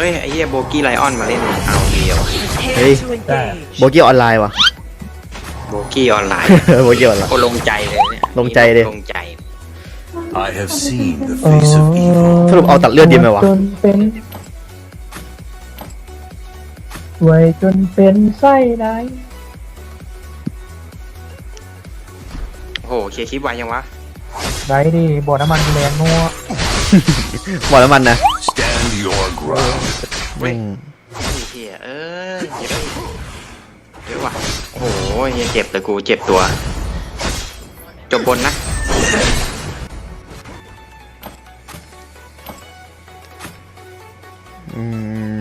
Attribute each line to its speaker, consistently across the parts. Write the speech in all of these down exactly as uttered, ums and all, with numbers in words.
Speaker 1: ยไอ้เหี้ยโบกี้ไลออนมาเล่นเอาเดียว
Speaker 2: เฮ้ยโบกี้ออนไลน์วะ
Speaker 1: โบกี้ออนไลน์
Speaker 2: โบกี้ออนไลน์
Speaker 1: โอ้ลงใจเลยเนี่ย
Speaker 2: ลงใจเลย
Speaker 1: ลงใจ
Speaker 3: I have seen the face of evil.
Speaker 2: สรุปเอาตัดเลือดดีไหมวะ
Speaker 4: จนเป็นสวยจนเป็นไส้ไหน
Speaker 1: โอ้โหเคลียร์คลิปไวยังวะ
Speaker 4: ไรดิบ่อน้ำมันแรงนัว
Speaker 2: บอกแล้วมันนะ
Speaker 3: Stand your ground.
Speaker 1: เว้ย
Speaker 2: อืม
Speaker 1: ไอ้เหี้ยเอ้ยเยอะเยอะว่ะโอ้โหเหี้ยเจ็บเลยกูเจ็บตัวจบบนนะ
Speaker 2: อืม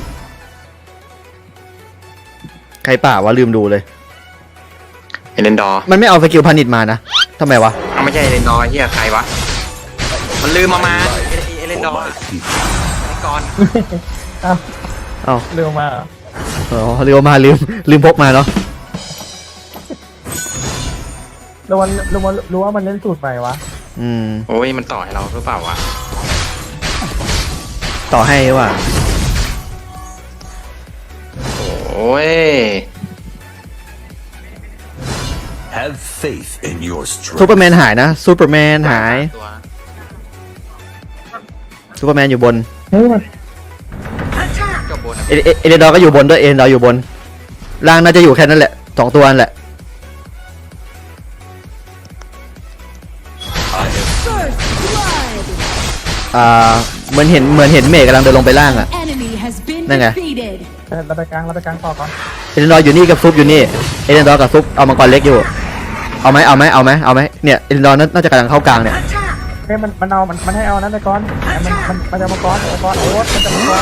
Speaker 2: ใครป่าวะลืมดูเลย
Speaker 1: เอเลนดอร์
Speaker 2: มันไม่เอาสกิลพานิชมานะทำไมวะ
Speaker 1: เอาไม่ใช่เอเลนดอร์เหี้ยใครวะมันลืมมามาเอเอเลนดอ
Speaker 3: For
Speaker 1: ร์
Speaker 3: my people.
Speaker 1: ไอ้ก่อน
Speaker 4: เอ้า
Speaker 2: เอ้า
Speaker 4: เร็วมาเหรอ
Speaker 2: อ๋อลืมมาลืมลืมพกมาเนาะ
Speaker 4: รู้ว่ารู้ว่ารู้ว่ามันเล่นสูตรใหม่วะ
Speaker 2: อืม
Speaker 1: โอ้ยมันต่อให้เราหรือเปล่าวะ
Speaker 2: ต่อให้ว่ะ
Speaker 1: โอ้ย
Speaker 3: Have faith in your
Speaker 2: ซูเปอ
Speaker 3: strength.
Speaker 2: ร์แมนหายนะซูเปอร์แมนหาย
Speaker 1: ตัว
Speaker 2: ซูเปอร์แมนอยู่บน
Speaker 4: เฮ้ยมัน
Speaker 1: จบบน
Speaker 2: เอเอเอเดนดอร์ก็อยู่บนด้วยเอเดนดอร์อยู่บนล่างน่าจะอยู่แค่นั้นแหละสองตัวนั่นแหละ
Speaker 3: I have
Speaker 2: อ่าเหมือนเห็นเหมือนเห็นเมฆกำลังเดินลงไปล่างอ่ะ
Speaker 5: Enemy has been
Speaker 2: Đây nè.
Speaker 5: defeated.
Speaker 4: เออเราไปกลางเราไปกลางต่อก่อน
Speaker 2: เอเดนดอร์อยู่นี่กับซุปอยู่นี่เอเดนดอร์กับซุปเอามังกรเล็กอยู่เอาไหมเอาไหมเอาไหมเอาไหมเนี่ยเอเดนดอร์น่าจะกำลังเข้ากลางเนี่ย
Speaker 4: เฮ้ยมันมันเอามันมันให้เอานั้นไปก่อนมันมันมันจะมาก่อนเอาก่อนโอ๊ตมันจะมาก่อน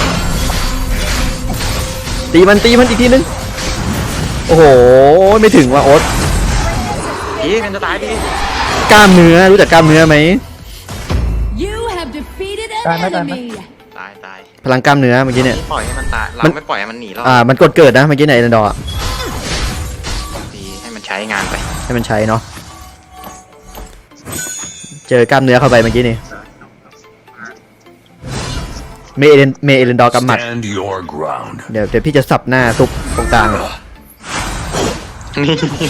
Speaker 2: ตีมันตีมันอีกทีนึงโอ้โหไม่ถึงว่ะโอ๊ต
Speaker 1: อีกันจะตายดิ
Speaker 2: กล้ามเนื้อรู้จักกล้ามเนื้อไหม
Speaker 5: You have defeated an
Speaker 4: Đây, đây, đây.
Speaker 5: enemy.
Speaker 1: ตายตาย
Speaker 2: พลังกล้ามเนื้อเมื่อกี้เนี่ย
Speaker 1: ปล่อยให้มันตายเรา
Speaker 2: มัน
Speaker 1: ไม่ปล่อยให้มันหนีหรอก
Speaker 2: อ่ามันกดเกิดนะเมื่อกี้ในเอเดนดอร์
Speaker 1: ดีให้มันใช้งานไป
Speaker 2: ให้มันใช้เนาะเจอกล้ามเนื้อเข้าไปเมื่อกี้นี่เมเอเดนเมเอเดนดอร์กำหมัด
Speaker 3: stand your ground.
Speaker 2: เดี๋ยวเดี๋ยวพี่จะสับหน้าซุปตรงกลางเลย
Speaker 1: นี่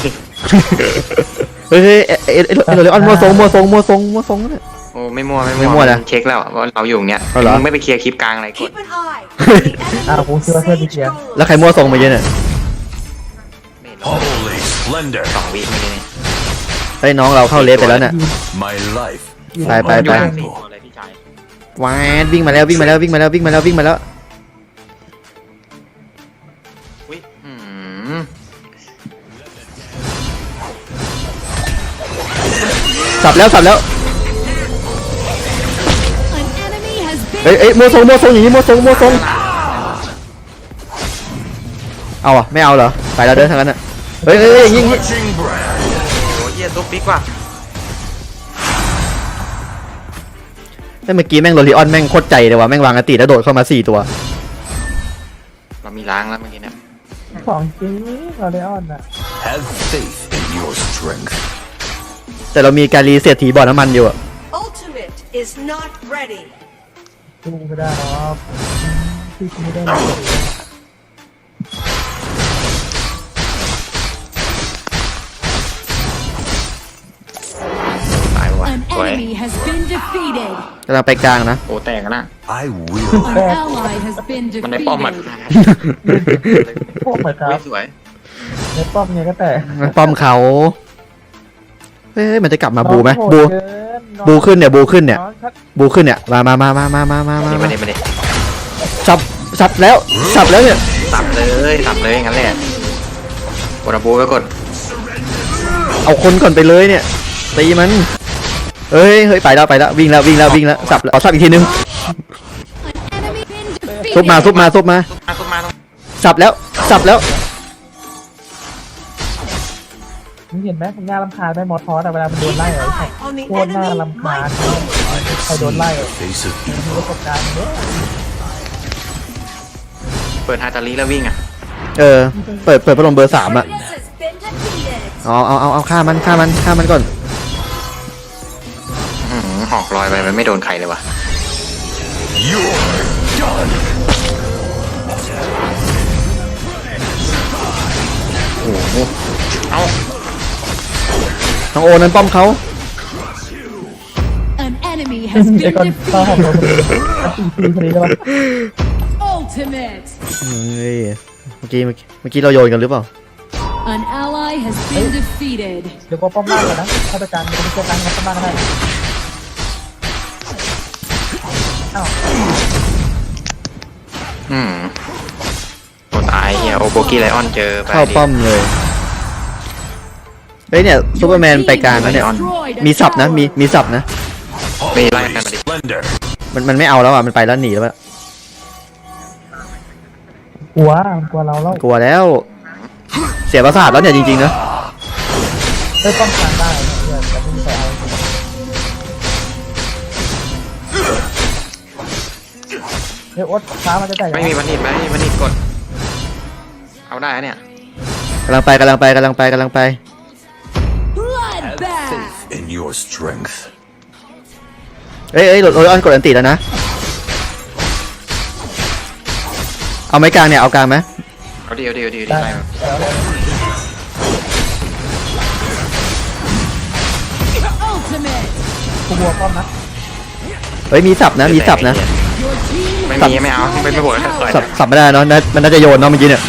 Speaker 2: เฮ้ยเฮ้ยเอเอเอเอเอเลออนมัวทรงมัวทรงมัวทรงมัวทรงเนี่ย
Speaker 1: โอ้ไม่มั่วไม่
Speaker 2: ไม่มั่วนะ
Speaker 1: เช็คแล้วว่าเราอยู่เนี้ย
Speaker 2: เอาเหรอ
Speaker 1: มึงไม่ไปเคลียร์คลิปกลางอะไรกด
Speaker 6: Keep an eye.
Speaker 4: อ้าวกูเชื่อเพื่อนพี่เกียร์
Speaker 2: แล้วใครมัวทรงเมื่อกี้เนี่ย
Speaker 1: ไม่รอด
Speaker 3: Holy splendor.
Speaker 1: สองวิเมื่อกี้นี่
Speaker 2: เฮ้ยน้องเราเข้าเลสไปแล้วเนี่ย
Speaker 3: My life.
Speaker 2: ไปไป
Speaker 1: อยู่
Speaker 2: ไป
Speaker 1: ข้างสี่ตัวเลยพี่ชายว
Speaker 2: ายวิ่งมาแล้ววิ่งมาแล้ววิ่งมาแล้ววิ่งมาแล้ววิ่งมาแล้ว
Speaker 1: อุ้ยอืม
Speaker 2: สับแล้วสับแล้ว
Speaker 5: An enemy has
Speaker 2: เอ้ย
Speaker 5: been
Speaker 2: เอ้ยมัวทรงมัวทรงอย่างนี้มัวทรงมัวทรงเอาอ่ะไม่เอาเหรอไปแล้วเดินทางนั้นอ่ะเฮ้ยเฮ้ยเฮ้ยอย่างงี้อย่างงี้
Speaker 3: Clutching brand.
Speaker 1: โอ้ยเหี้ยตุ๊กปิ๊กว่ะ
Speaker 2: เมื่อกี้แม่งโรลิออนแม่งโคตรใจเลยว่ะแม่งวางอติแล้วโดดเข้ามาสี่ตัว
Speaker 1: เรามีล้างแล้วเมื่อกี้เนี่ย
Speaker 4: ของจริงเราได้ออนอ่ะ
Speaker 3: Have faith in your strength.
Speaker 2: แต่เรามีการรีเซ็ตถีบ่อน้ำมันอยู่อะ
Speaker 6: Ultimate is not ready.
Speaker 4: สู้ไม่ได้หรอกพี่ไม่ได้หรอก
Speaker 1: ตายว่ะ
Speaker 5: an
Speaker 1: สวย
Speaker 5: enemy has been defeated.
Speaker 2: กำลังไปกลางนะ
Speaker 1: โอ้แตกกันนะ
Speaker 3: I will.
Speaker 5: An ally has been
Speaker 1: มันได้ป้อมหมัด
Speaker 5: defeated.
Speaker 4: พวกเหมือนครั
Speaker 1: อุ้
Speaker 4: บ
Speaker 1: ยสวย
Speaker 4: ในป้อมไงก็แต่
Speaker 2: มันป้อมเขาเฮ้ยมันจะกลับมาบูไหม
Speaker 4: น้องโห
Speaker 2: บู
Speaker 4: ดเกินน้อง
Speaker 2: บูขึ้นเนี่ยบูขึ้นเนี่ย
Speaker 4: น้องชัด
Speaker 2: บูขึ้นเนี่ยมามามามามามามามา
Speaker 1: นี่มาดิมาดิ
Speaker 2: สับสับแล้วสับแล้วเนี่ย
Speaker 1: สับเลยสับเลยงั้นแหละกดระบูไว้กด
Speaker 2: เอาคนก่อนไปเลยเนี่ยตีมันเฮ้ยเฮ้ยไปแล้วไปแล้ววิ่งแล้ววิ่งแล้ววิ่งแล้วสับแล้วเอาสับอีกทีนึง
Speaker 5: An enemy been
Speaker 2: ซุบมาซุบ
Speaker 5: defeated.
Speaker 2: มาซุบมา
Speaker 1: มาตุ๊กมาต้อง
Speaker 2: สับแล้วสับแล้ว
Speaker 4: มึงเห็นไหมมึงน่ารำคาญไหมมอทอสแต่เวลามันโดน
Speaker 6: Keep
Speaker 4: ไล่
Speaker 6: an
Speaker 4: เหรอ
Speaker 6: eye on the
Speaker 4: โคตรน่า
Speaker 6: enemy.
Speaker 4: รำคาญ
Speaker 6: My goal.
Speaker 3: I have
Speaker 4: I don't
Speaker 3: seen
Speaker 4: like
Speaker 3: the
Speaker 4: it.
Speaker 3: face of
Speaker 4: มี
Speaker 3: evil.
Speaker 4: ประสบการณ์เยอะ
Speaker 1: เปิดฮาตาลีแล้ววิ่งอ่ะ
Speaker 2: เออเปิดเปิดพัดลมเบอร์สามอะ
Speaker 6: This has been defeated.
Speaker 2: เอาเอาเอาเอาฆ่ามันฆ่ามันฆ่ามันก่อน
Speaker 1: อื้อหือหอกลอยไปมันไม่โดนใครเลยว่ะ
Speaker 3: You're done.
Speaker 1: เอา
Speaker 2: น้องโอนั้นป้อมเขา
Speaker 5: An enemy has
Speaker 4: ไอ้
Speaker 5: been
Speaker 4: ก้อนข้าวหอม
Speaker 5: defeated.
Speaker 4: โดนพอดีพอดีใช่ปะ
Speaker 5: Ultimate.
Speaker 2: เฮ้ยเมื่อกี้เมื่อกี้เมื่อกี้เราโยนกันหรือเปล่า
Speaker 5: An ally has been defeated.
Speaker 4: เดี๋ยวก็ป้อมล่างก่อนนะถ้าไปการมันจะเกิดการป้อมล่างก็ได้อ้าว
Speaker 1: อืมโอ้ตายเฮียโอโบกี้ไลออนเจอไป
Speaker 2: เข้า
Speaker 1: ดิ
Speaker 2: ป้อมเลยเฮ้ยเนี่ยซูเปอร์แมนไปกลางแล้วเนี่ย มีสับนะมีมีสับนะ
Speaker 1: ไม่ไล่กันมาดิ
Speaker 3: Splendor.
Speaker 2: มันมันไม่เอาแล้วอ่ะมันไปแล้วหนีแล้วอะ
Speaker 4: กลัวกลัวเราแล้ว
Speaker 2: กลัวแล้ว เสียประสาทแล้วเนี่ยจริงๆนะ
Speaker 4: ได้ป้องกันได้เพื่อนแต่ไม่มีใครเอาเฮ้ยโอ๊ตช้ามันจะแตก
Speaker 1: ไม่มีวันนี้ไหมวันนี้กด เอาได้อะเนี่ย
Speaker 2: กำลังไปกำลังไปกำลังไปกำลังไป
Speaker 5: Bloodbath.
Speaker 3: In your strength.
Speaker 2: เอ้ยเอ้ยโรยออนกดอันติแล้วนะ เอาไม้กลางเนี่ยเอากลางไหม
Speaker 1: เอาดีเอาดีเอาดีเอาดี
Speaker 4: ได้
Speaker 1: ไล่มา
Speaker 5: Ultimate.
Speaker 4: กูบัวป้อมนะ
Speaker 2: เฮ้ยมีสับนะมีสับนะ
Speaker 5: Your team
Speaker 1: ไม่
Speaker 5: has
Speaker 1: มีไม่เอาไม่ไม่โหวตแล้วต่อย
Speaker 2: สับสับไม่ได้เนาะน่ามันน่าจะโยนเนาะเมื่อกี้เนี่ย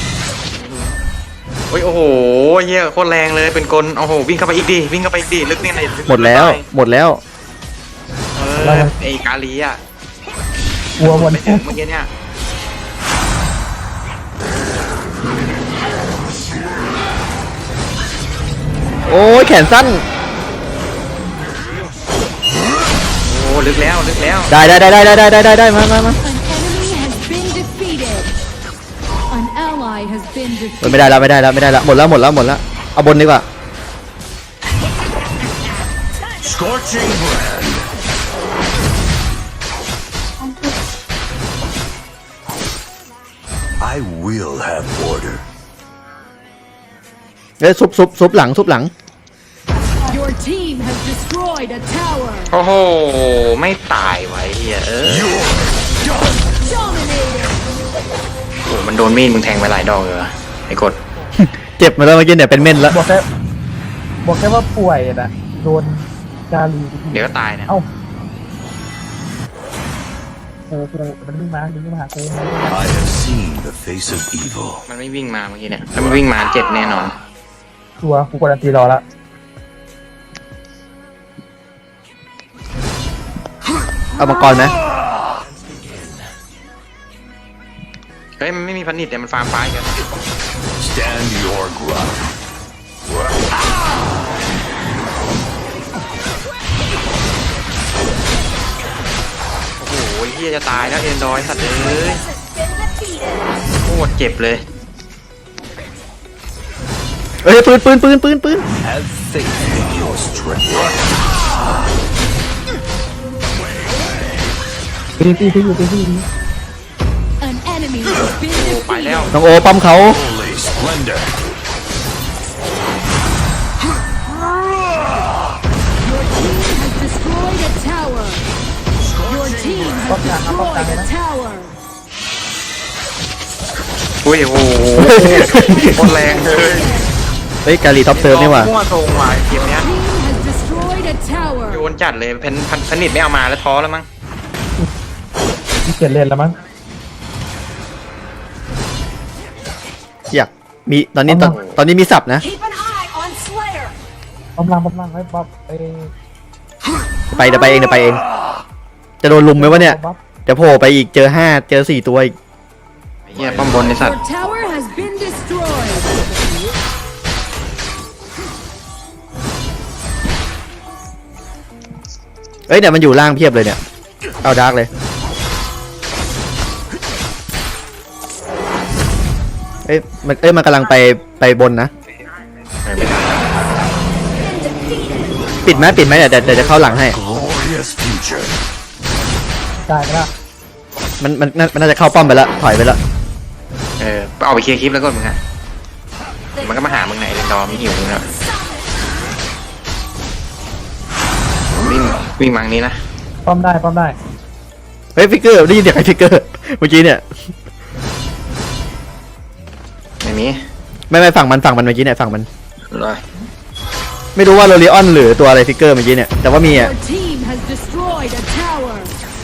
Speaker 1: โอ้ยโอ้โหเฮียโคตรแรงเลยเป็นกลโอ้โหวิ่งเข้าไปอีกดิวิ่งเข้าไปอีกดิลึกเนี่ยไหนลึก
Speaker 2: หมดแล้วหมดแล้ว
Speaker 1: เออไอ้กาลีอ่ะ
Speaker 4: กลัววน
Speaker 1: ไปถึงเมื่อกี้เนี่ย
Speaker 2: โอ้ยแขนสั้น
Speaker 1: โอ้ลึกแล้วลึกแล้ว
Speaker 2: ได้ได้ได้ได้ได้ได้ได้ได้มามามา
Speaker 5: An enemy has been defeated. An ally has been
Speaker 2: เฮ้ย
Speaker 5: defeated.
Speaker 2: ไม่ได้แล้วไม่ได้แล้วไม่ได้แล้วหมดแล้วหมดแล้วหมดแล้วเอาบนดีกว่า
Speaker 3: Scorching brand. I will have order.
Speaker 2: เฮ้ยซุบซุบซุบหลังซุบหลัง
Speaker 5: Your team has destroyed a tower.
Speaker 1: โอ้โหไม่ตายไว้เฮียเออ
Speaker 3: You're done.
Speaker 5: Dominated.
Speaker 1: โอ้มันโดนมีดมึงแทงไปหลายดอกเลยว่ะไอ้กด
Speaker 2: เจ็บมาแล้วเมื่อกี้เนี่ยเป็นเม่นแล้ว
Speaker 4: บอกแค่บอกแค่ว่าป่วยนะโดนกาลี
Speaker 1: เดี๋ยวก็ตายนะ
Speaker 4: เอ้ากูกูมันวิ่งมาวิ่งมาหากู
Speaker 3: I have seen the face of evil.
Speaker 1: มันไม่วิ่งมาเมื่อกี้เนี่ยถ้ามันวิ่งมาเจ็บแน่นอน
Speaker 4: ตัวกูกดอันตีรอละ
Speaker 2: เอามังกรไหม
Speaker 1: เฮ้ยมันไม่มีพันนิดแต่มันฟาร์มไฟกัน
Speaker 3: Stand your ground.
Speaker 1: โอ้โหเฮียจะตายแล้วเอ็นดอยสัตว์เอ้ย
Speaker 6: Has been defeated.
Speaker 1: โคตรเจ็บเลย
Speaker 2: เฮ้ยปืนปืนปืนปืนปืน
Speaker 3: Have faith in your strength.
Speaker 4: ตีตีตีอยู่ตีตี
Speaker 5: An enemy has been
Speaker 1: โอ้ไปแล้ว
Speaker 5: defeated.
Speaker 2: น้องโอป้อมเขา
Speaker 3: Holy splendor.
Speaker 5: Your team has destroyed a tower. Your team has destroyed a tower.
Speaker 1: อุ้ยโอ้โหโคตรแรงเลย
Speaker 2: เฮ้ยกาลีท็อปเซิร์ฟนี่หว่า
Speaker 1: มั่วตรงว่ะเกมเนี้ย
Speaker 5: Team has destroyed a tower.
Speaker 1: โยนจัดเลยเพนพันพันนิดไม่เอามาแล้วท้อแล้วมั้ง
Speaker 4: ที่เกียนเล่นแล้วมั้ง
Speaker 2: อยากมีตอนนี้ตอนตอนนี้มีสับนะ
Speaker 6: Keep an eye on Slayer.
Speaker 4: ป้อมล่างป้อมล่างไว้บ๊อบไอ้
Speaker 2: ไปเดี๋ยวไปเองเดี๋ยวไปเอง จะโดนลุมไหมวะเนี่ย
Speaker 4: บ๊อบ
Speaker 2: เดี๋ยวโผล่ไปอีกเจอห้าเจอสี่ตัวอีก
Speaker 1: เฮียป้อมบนในสัต
Speaker 5: Your
Speaker 1: ว์
Speaker 5: tower has been destroyed.
Speaker 2: เอ้ยเนี่ยมันอยู่ล่างเพียบเลยเนี่ย เอาดาร์กเลย เอ้ยมันเอ้ยมันกำลังไปไปบนนะ
Speaker 1: เออไม่ทัน
Speaker 2: ปิดไหมปิดไหมเดี๋ยวเดี๋ยวเดี๋ยวจะเข้าหลังให้
Speaker 3: Glorious future.
Speaker 4: ตายไปแล้ว
Speaker 2: มันมันมันน่าจะเข้าป้อมไปแล้วถอยไปแล้ว
Speaker 1: เออเอาไปเคลียร์คลิปแล้วก็มึงอะมันก็มาหามึงไหนเรนดอร์ไม่หิวมึงแล้ววิ่งวิ่งมังนี้นะ
Speaker 4: ป้อมได้ป้อมได้
Speaker 2: เฮ้ยฟิกเกอร์ได้ยินเสียงไอ้ฟิกเกอร์เมื่อกี้เนี่ย
Speaker 1: ไม่มี
Speaker 2: ไม่ไม่ฝั่งมันฝั่งมันเมื่อกี้เนี่ยฝั่งมัน
Speaker 1: เลย
Speaker 2: ไม่รู้ว่าโรลิออนหรือตัวอะไรฟิกเกอร์เมื่อกี้เนี่ยแต่ว่ามีอ่ะ
Speaker 5: Your team has destroyed a tower.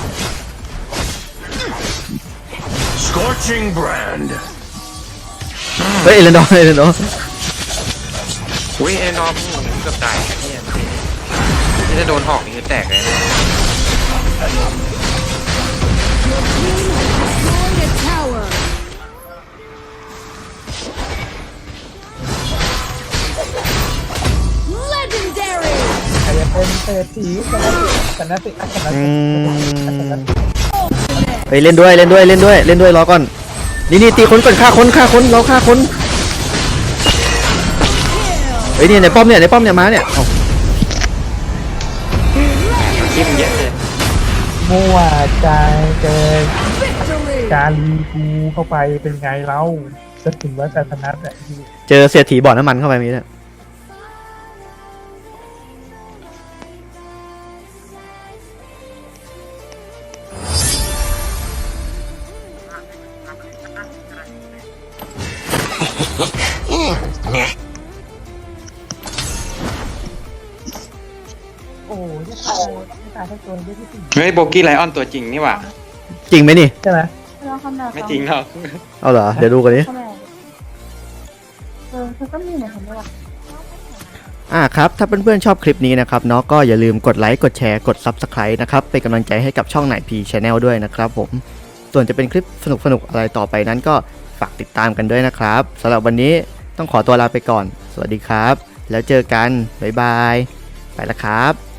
Speaker 3: Scorching brand.
Speaker 2: เฮ้ยเอเลนดอร์เอเลนดอร์
Speaker 1: อุ้ยไอ้น้องเกือบตายไอ้เนี่ยนี่จะโดนหอกนี่คือแตกเลยนะ
Speaker 5: Destroyed a tower. Legendary.
Speaker 4: ใครจะเป็นเศรษฐีชนะสิชนะสิชนะ
Speaker 2: อื
Speaker 4: สิชนะ
Speaker 2: ม
Speaker 4: สิ
Speaker 2: เฮ้ยเล่นด้วยเล่นด้วยเล่นด้วยเล่นด้วยรอก่อนนี่นี่ตีคนก่อนฆ่าคนฆ่าคนเราฆ่าคนเฮ้ยนี่ในป้อมเนี่ยในป้อมเนี่ยมาเนี่ยเอ้า
Speaker 1: จิ้มเยอะเลย
Speaker 4: มั่วใจเกิน
Speaker 5: Victory.
Speaker 4: กาลีกูเข้าไปเป็นไงเล่าจะถึงว่าแต่ชนะแต่
Speaker 2: เจอเสียถีบ่อน้ำมันเข้าไปมีเนี่ย
Speaker 4: โอ้ยไม่ตายไม่ตายทั้งตัวเลยที่สี่
Speaker 1: เฮ้ยโบกี้ไลออนตัวจริงนี่หว่า
Speaker 2: จริงไหมนี่
Speaker 4: ใช่ไหม
Speaker 1: ไม่จริงหรอก
Speaker 2: เอาเหรอเดี๋ยวดูกันดิ
Speaker 7: เออคือก็มีเหมือนกันด้วย
Speaker 2: อ่าครับถ้าเพื่อนๆชอบคลิปนี้นะครับเนาะก็อย่าลืมกดไลค์กดแชร์กด ซับสไครบ์ นะครับเป็นกำลังใจให้กับช่องไหนพีชาแนลด้วยนะครับผมส่วนจะเป็นคลิปสนุกๆอะไรต่อไปนั้นก็ฝากติดตามกันด้วยนะครับสำหรับวันนี้ต้องขอตัวลาไปก่อนสวัสดีครับแล้วเจอกันบ๊ายบายไปละครับ